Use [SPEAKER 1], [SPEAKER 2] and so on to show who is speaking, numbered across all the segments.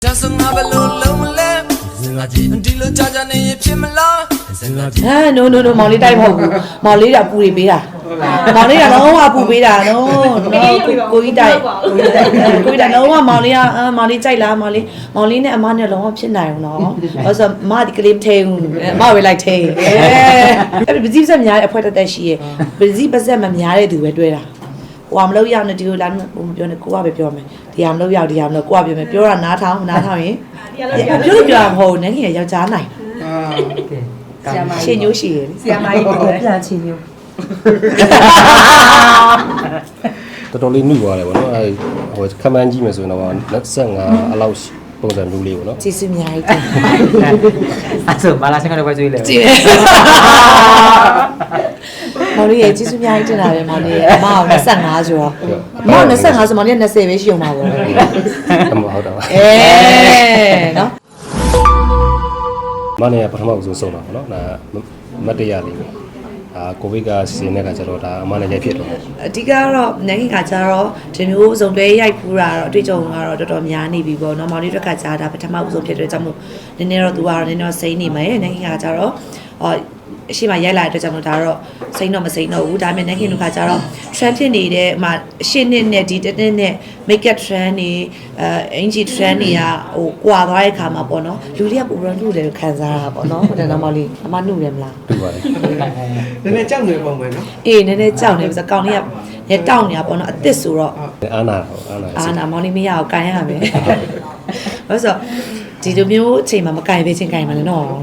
[SPEAKER 1] Just another little lamb. Dilo jaja ne pimla.
[SPEAKER 2] No,မောင်လေးတိုက်မဟုတ်ဘူးမောင်လေးကပူတွေပေးတာမောင်လေးကလုံးဝပူပေးတာနော်ကိုကြီးတိုက်ကိုကြီးတိုက်လုံးဝမောင်လေးကမောင်လေးကြိုက်လားမောင်လေးနဲ့အမနဲ့လုံးဝဖြစ်နိုင်အောင်နော်ဘာလို့မဒီကလေးမထဲဘူးမဝေးလိုက်ထဲအဲ့ပစီပစက်များတဲ့အဖွဲတက်ရှိရဲ့ပစီပစက်မများတဲ့သူပဲတွေ့တာဟိုမလို့ရောက်နေဒီလိုလာဟိုပြောနေကိုကပဲပြောမယ်ဒီဟာမလို့ရောက်ဒီဟာမလို့ကိုကပြောမယ်ပြောတာနားထောင်ရင်ပြောမဟုတ်နဲ့ခင်ယောက်ျားနိုင်ရှင်ညိုးရှိရယ်ဆရာမကြီးပြန်ချင်းညိုး
[SPEAKER 3] တော်တော်လေးနှုတ်သွားတယ်ဗောနော်အဲဟိုခမန်းကြီးမယ်ဆိုရင်တော့25အလောက်ပုံစံမျိုးလေးဗောနော်
[SPEAKER 2] ကျေးဇူးအများကြီးတင်
[SPEAKER 4] အဲ့ဆိုမာလာဆင်ကတော့ပဲကြွေးလေ
[SPEAKER 2] ကြည့်မောင်လေးရဲ့ကျေးဇူးအများကြီးတင်တာပဲမောင်လေးရဲ့အမအောင်25ဆိုတော့မောင်25ဆိုမောင်လေး20ပဲရှိအောင်ပါဗော
[SPEAKER 3] အမဟုတ်တော့
[SPEAKER 2] နော်
[SPEAKER 3] မနေ့ကပထမဆုံးဆုံးတာဗောနော်ဒါမတ်တရလေးပဲကိုဗစ်ကစီစဉ်တဲ့ခါကျတော့ဒါအမနဲ့ရိုက်ဖြစ်တော့
[SPEAKER 2] အဓိကတော့နိုင်ငံကကြတော့ဒီမျိုးစုံတွဲရိုက်ဖူးတာတော့အတွေ့အကြုံကတော့တော်တော်များနေပြီပေါ့နော်မောင်လေးတို့ကကြတာပထမဆုံးဖြစ်တဲ့ကြောင့်မို့နည်းနည်းတော့သူကတော့နည်းနည်းစိမ့်နေမယ်နိုင်ငံကကြတော့အရှိမရိုက်လာတဲ့အတွက်ကြောင့်မို့ဒါတော့စိမ့်တော့မစိမ့်တော့ဘူးဒါပေမဲ့နိုင်ငံတို့ကကြတော့ trend ဖြစ်နေတဲ့အရှင်းနဲ့ဒီတစ်နဲ့ make up trend တွေအင်ဂျီ trend တွေကဟိုကွာသွားတဲ့ခါမှာပေါ့နော်လူတွေကပုံရလူတယ်ခံစားရတာပေါ့နော်ဟိုတန်းတော့မောင်လေးအမနှုတ်တယ်မလား
[SPEAKER 3] တူပါတယ်
[SPEAKER 1] နည်းနည်းကြောက်နေပုံပဲနော်
[SPEAKER 2] အေးနည်းနည်းကြောက်နေပြီဆိုကောင်လေးကတောက်နေတာပေါ့နော်အစ်စ်ဆိုတော့
[SPEAKER 3] အာနာ
[SPEAKER 2] မောင်လေးမရအောင်ကန်ရမယ်ဘာလို့ဆိုဒီလိုမျိုးအချိန်မှာမကန်ပေးချင်းကန်မှာလေနော်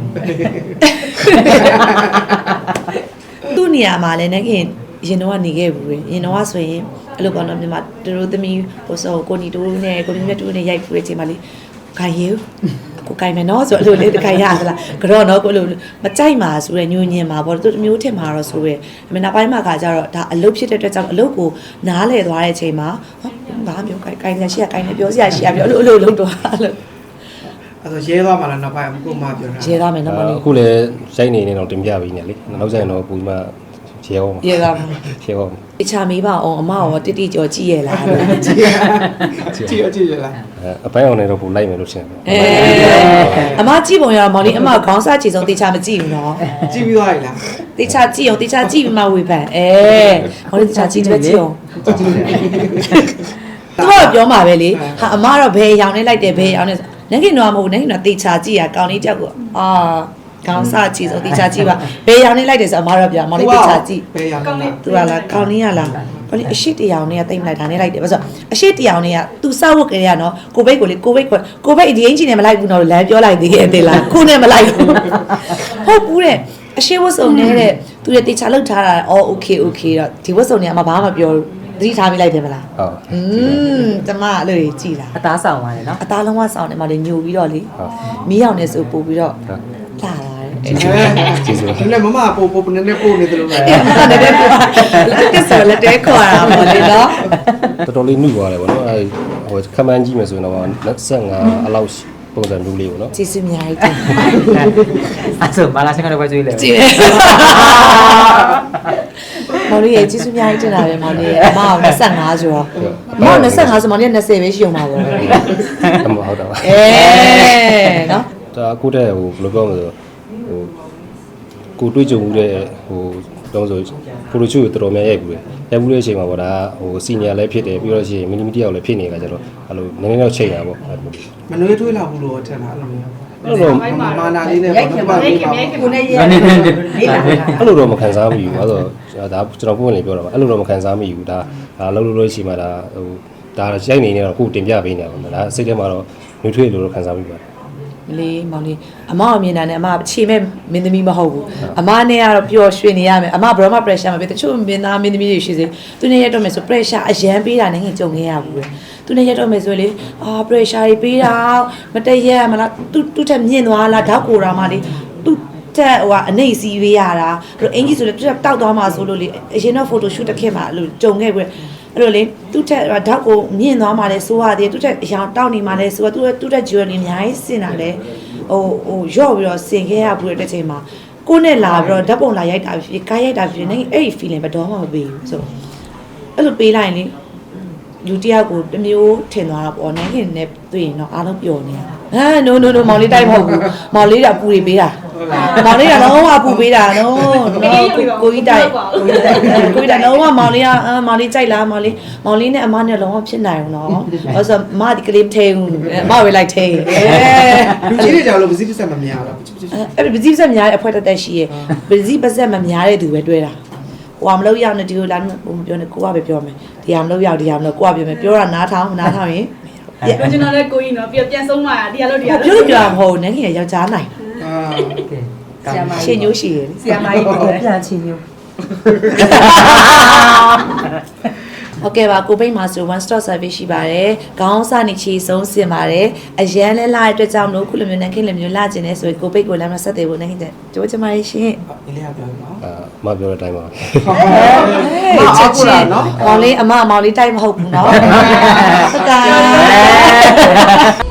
[SPEAKER 2] သူ့နေရာမှာလည်းခင်ရင်တော့နေခဲ့ဘူးရင်တော့ဆိုရင်အဲ့လိုပေါ့နော်မြန်မာတို့သမီးဟိုဆိုကိုနီတိုးနဲ့ကိုနီမြတ်တိုးနဲ့ရိုက်ဖူးတဲ့အချိန်မှာလေခိုင်ရကိုခိုင်မယ်နော်ဆိုအဲ့လိုလေးတခိုင်ရသလားကြောနော်ကိုလိုမကြိုက်မှာဆိုရညိုညင်မှာပေါ့သူမျိုးထင်မှာတော့ဆိုရအမေနောက်ပိုင်းမှာကကြတော့ဒါအလုပ်ဖြစ်တဲ့အတွက်ကြောင့်အလုပ်ကိုနားလဲသွားတဲ့အချိန်မှာဘာမျိုးခိုင်ရရှိရခိုင်နေပြောစရာရှိရပြောအဲ့လိုလုပ်တော့အဲ့လို
[SPEAKER 1] အဲ့တော့ရဲသွားမှလားနောက်ပိုင်းအခုမှပြောတာ
[SPEAKER 2] ရဲသွားမယ်နော်မလေး
[SPEAKER 3] အခုလည်းရိုက်နေတော့တင်ပြပြီးနေလေနောက်ကျရင်တော့ပူမှရဲအောင်
[SPEAKER 2] ရဲသွားမှာ
[SPEAKER 3] ရဲအောင်
[SPEAKER 2] တခြားမေးပါအောင်အမရောတိတိကြောကြည့်ရလား
[SPEAKER 1] ကြည့်ရလား
[SPEAKER 3] အပိုင်းအောင်နေတော့ပူလိုက်မယ်လို့ရှင်းတယ်
[SPEAKER 2] အမကြည့်ပုံရတော့မောင်လေးအမခေါင်းစားချေဆုံးတခြားမကြည့်ဘူးနော်
[SPEAKER 1] ကြည့်ပြီးသွားပြီလား
[SPEAKER 2] တခြားကြည့်အောင်တခြားကြည့်ပြီးမှဝေဖန်မောင်လေးတခြားကြည့်တယ်ကြည့်အောင်သူကပြောမှာပဲလေဟာအမတော့ဘယ်ရောင်နေလိုက်တယ်ဘယ်ရောင်နေနိုင်ငံတော်မဟုတ်နိုင်ငံတော်တေချာကြည့်ရကောင်းလေးကြောက်ကိုခေါင်းစားချေဆုံးတေချာကြည့်ပါဘယ်ရောင်နေလိုက်တယ်ဆိုအမတော့ပြောမောင်လေးတေချာကြည့်
[SPEAKER 1] ဘယ်ရောင်လဲ
[SPEAKER 2] သူကလားကောင်းလေးရလားဘာလို့အရှိတရောင်နဲ့တိတ်မလိုက်တာနဲ့လိုက်တယ်ဘာလို့အရှိတရောင်နဲ့ကသူစောက်ဝတ်ကြရနော်ကိုဘိတ်ကိုလေကိုဘိတ်ဒီအင်ဂျင်နဲ့မလိုက်ဘူးနော်လမ်းပြောလိုက်သေးရဲ့သေးလားခုနဲ့မလိုက်ဘူးဟုတ်ဘူးတဲ့အရှိဝတ်စုံနေတဲ့သူရဲ့တေချာလောက်ထားတာโอเคတော့ဒီဝတ်စုံတွေအမဘာမှမပြောဘူးသတိထားမိလိုက်တယ်မလား
[SPEAKER 3] ဟုတ်
[SPEAKER 2] တမအဲ့လိုကြည်လား
[SPEAKER 4] အသားဆောင်ပါတယ်နော်
[SPEAKER 2] အသားလုံးဝဆောင်တယ်မလေးညိုပြီးတော့လေမီးရောင်နေဆိုပို့ပြီးတော့လာ
[SPEAKER 3] ကျေးဇူး
[SPEAKER 1] လည်းမမပို့နည်းနည်းပို့နေတယ်လို့ပဲ
[SPEAKER 2] အဲ့မနည်းနည်းပို့ကဲဆိုလက်တဲခေါ်တာပေါ့လေနော်
[SPEAKER 3] တော်တော်လေးနှုတ်သွားတယ်ဗောနော်အဲဟိုခမန်းကြီးမယ်ဆိုရင်တော့25အလောက်ပုံစံမျိုးလေးဗောနော်
[SPEAKER 2] ကျေးဇူးအများကြီးတင်
[SPEAKER 4] အဲ့ဆိုမာလာဆင်ကတော့ပဲကြွေးလေ
[SPEAKER 2] ကြည့်မောင်လေးရဲ့ကျေးဇူးအများကြီးတင်တာပဲမောင်လေးရဲ့အမအောင်25ဆိုတော့မောင်25ဆိုမောင်လေး20ပဲရှိအောင်ပါဗော
[SPEAKER 3] အမဟုတ်တော့
[SPEAKER 2] နော်
[SPEAKER 3] ဒါအခုတည်းဟိုဘယ်လိုပြောမလဲဟိုကိုတွေးကြုံမှုတဲ့ဟိုတော့ဆိုပိုလိုချူတော်တော်များရိုက်ဘူးလေရိုက်ဘူးတဲ့အချိန်မှာပေါ့ဒါဟိုစီနီယာလည်းဖြစ်တယ်ပြီးတော့ရှိရင်မီလီမီတယောက်လည်းဖြစ်နေတာကြတော့အဲ့လိုနည်းနည်းတော့ချိန်တာပေါ့
[SPEAKER 1] မနှွေးထွေးလာဘူးလို့ထင်တာအဲ့လိုမျိုးမာနာလေးနဲ့ပေါ့နော်
[SPEAKER 2] ကိုနဲ့ရဲ
[SPEAKER 3] အဲ့လိုတော့မခံစားမိဘူးအဲ့တော့ဒါကျွန်တော်ပုံလေးပြောတာပါအဲ့လိုတော့မခံစားမိဘူးဒါလှုပ်လို့ရှိမှဒါဟိုဒါရိုက်နေနေတော့ခုတင်ပြပေးနေတာပေါ့ဒါစိတ်ထဲမှာတော့နှွေးထွေးလို့တော့ခံစားမိပါတယ်
[SPEAKER 2] မလေးမောင်လေးအမအမြင်တာနဲ့အမခြေမဲ့မင်းသမီးမဟုတ်ဘူးအမနဲ့ကတော့ပျော်ရွှင်နေရမယ်အမဘယ်တော့မှ pressure မပေးတချို့မင်းသားမင်းသမီးတွေရှိစေသူနဲ့ရတော့မယ်ဆို pressure အရန်ပေးတာနဲ့ငင်ကြုံခဲ့ရဘူးပဲသူနဲ့ရတော့မယ်ဆိုလေpressure တွေပေးတာမတည့်ရမလားသူ့ထက်မြင့်သွားလားဓာတ်ကိုရာမလေးသူ့ထက်ဟိုအနေစီပေးရတာအဲ့အင်ကြီးဆိုလေသူတောက်သွားမှဆိုလို့လေအရင်တော့ photo shoot တစ်ခေတ်မှာအဲ့လိုကြုံခဲ့ပြီအဲ့လိုလေသူ့ထက်ဓာတ်ကိုမြင့်သွားမှလဲဆိုရတယ်သူ့ထက်အရောင်တောက်နေမှလဲဆိုတော့သူ့ထက် jewelry အများကြီးစင်တာလဲဟိုရော့ပြီးတော့ဆင်ခဲ့ရဘူးတဲ့ချိန်မှာကိုနဲ့လာပြီးတော့ဓာတ်ပုံလာရိုက်တာဖြစ်ကားရိုက်တာဖြစ်နေအဲ့ဒီ feeling ဘယ်တော့မှမပေးဘူးဆိုအဲ့လိုပေးလိုက်ရင်လေလူတယောက်ကိုတစ်မျိုးထင်သွားတာပေါ့နန်းခင်နဲ့တွေ့ရင်တော့အားလုံးပျော်နေတာno မောင်လေးတိုက်မဟုတ်ဘူးမောင်လေးကပူတွေပေးတာမောင်လေးကလုံးဝပူပေးတာနော်ကိုကြီးတိုက်လုံးဝမောင်လေးကမောင်လေးကြိုက်လားမောင်လေးနဲ့အမနဲ့လုံးဝဖြစ်နိုင်ဘူးနော်အဲ့ဆိုမဒီကလေးမထဲဘူးမဝေးလိုက်ထဲ
[SPEAKER 5] လူကြီးတွေကြောင့်လို့ပစ္စည်းပစ္စည်းမများတော့
[SPEAKER 2] အဲ့ပစ္စည်းပစက်များတဲ့အဖွဲတက်တက်ရှိရဲ့ပစ္စည်းပစက်မများတဲ့သူပဲတွေ့တာဟိုမလို့ရောက်နေဒီလိုလာပြောနေကိုကပဲပြောမယ်ဒီဟာမလို့ရောက်ဒီဟာမလို့ကိုကပြောမယ်ပြောတာနားထောင်ရင်
[SPEAKER 6] ပြောချင်တဲ့ကိုကြီးနော်ပြန်ဆုံးมาဒီလို
[SPEAKER 2] ပြောပြမဟုတ်နန်းခင်ယောက်ျားနိုင်
[SPEAKER 5] အာ
[SPEAKER 2] ရှင်ညိုးရှိရယ်
[SPEAKER 6] ဆရာမကြီးပြန်ချင်ညို့
[SPEAKER 2] ဟုတ်ကဲ့ပါကိုပိတ်မှာဆို one stop service ရှိပါတယ်ခေါင်းစနေချီဆုံးစင်ပါတယ်အရန်လဲလာတဲ့အတွက်ကြောင့်မလို့ခုလိုမျိုးနန်းခင်လိုမျိုးလာကျင်နေဆိုရင်ကိုပိတ်ကိုလည်းမဆက်သေးဘူးနန်းခင်တဲ့ကြိုးချင်ပါရှင်
[SPEAKER 5] ဒီလေးကပြောနော်
[SPEAKER 3] မပြောတဲ့အတိုင်းပါ
[SPEAKER 2] ချက်ချင်းမောင်လေးအမောင်လေးတိုက်မဟုတ်ဘူးเนาะဟုတ်ကဲ့